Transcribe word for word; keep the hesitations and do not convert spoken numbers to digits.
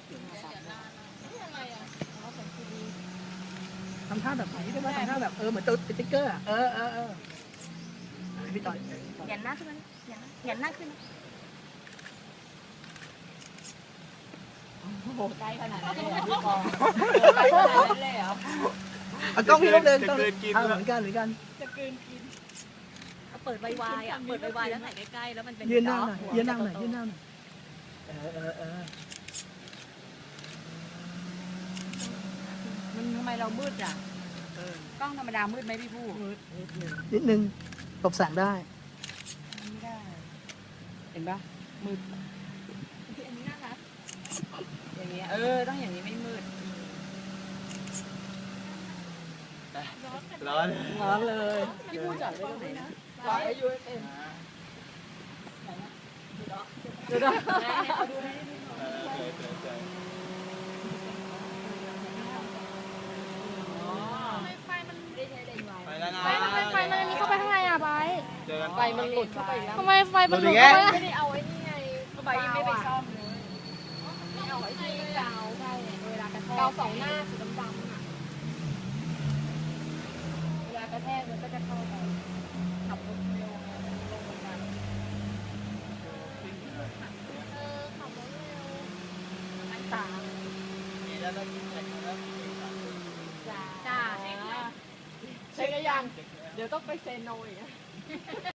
ทำท่าแบบไหนได้ไหมทำท่าแบบเออเหมือนตัวสติ๊กเกอร์อ่ะเออเออเออพี่ต่อยเหยียดหน้าขึ้นเหยียดเหยียดหน้าขึ้นโอ้โหใกล้ขนาดนั้นเลยเหรอพี่ปองใกล้ขนาดนั้นเลยเหรอเอากล้องพี่ลูกเดินต้องเอาเหมือนกันเหมือนกันจะกลืนกินเปิดไวๆอ่ะเปิดไวๆแล้วถ่ายใกล้ๆแล้วมันเป็นยืนหน้าหน่อยยืนหน้าหน่อยยืนหน้าหน่อยเออเออเออมันทำไมเรามืดอ่ะกล้องธรรมดามืดไหมพี่ผู้นิดนึงตบแสงได้ไม่ได้เห็นปะมืดอันนี้น่ารักอย่างเงี้ยเออต้องอย่างนี้ไม่มืดร้อนร้อนเลยพี่ผู้จอดไว้ตรงไหนนะจอดไว้ยูเอ็มเดี๋ยวนะเอาดูให้ดูไฟมันไม่ได้ใช้เลนส์ไวไปแล้วนะไฟมันเป็นไฟมันมีเข้าไปข้างในอ่ะไบเจอกันไฟมันหลุดเข้าไปแล้วทำไมไฟมันหลุดเข้าไปไม่ได้เอาไอ้นี่ไงไฟไม่ไปซ่อมเลยไม่เอาไอ้นี่กาวใช่เวลากระแทกกาวสองหน้าสีดำๆอ่ะเวลากระแทกมันก็จะเข้าไปขับรถเร็วลงมาเออขับรถเร็วอันตามีแล้วต้องกินอะไรแล้วจ้าจ้าเช็คไหมเช็คยังเดี๋ยวต้องไปเซโนอีก